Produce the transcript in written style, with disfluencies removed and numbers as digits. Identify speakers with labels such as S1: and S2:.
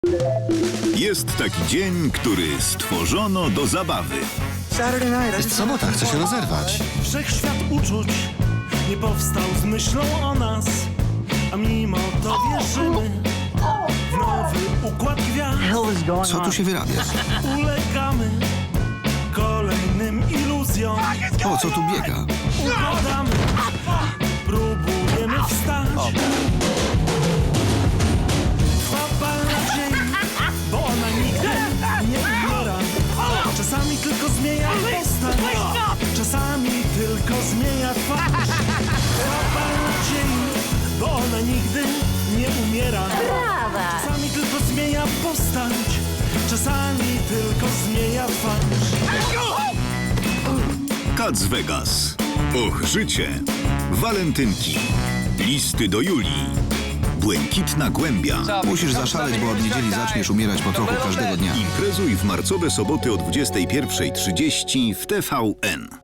S1: Jest taki dzień, który stworzono do zabawy.
S2: Jest sobota, chcę się rozerwać.
S3: Wszechświat uczuć nie powstał z myślą o nas, a mimo to wierzymy w nowy układ gwiazd.
S2: Co tu się wyrabia?
S3: Ulegamy kolejnym iluzjom.
S2: O, co tu biega?
S3: Układamy, próbujemy wstać. Trwa bal nadziei, bo ona nigdy nie umiera. Czasami tylko zmienia postać, czasami tylko zmienia twarz. Trwa bal nadziei, bo ona nigdy nie umiera. Czasami tylko zmienia postać, czasami tylko zmienia twarz.
S1: Cats Vegas. Och, życie. Walentynki. Listy do Julii. Błękitna głębia.
S2: Musisz zaszaleć, bo od niedzieli zaczniesz umierać po trochu każdego dnia.
S1: Imprezuj w marcowe soboty o 21:30 w TVN.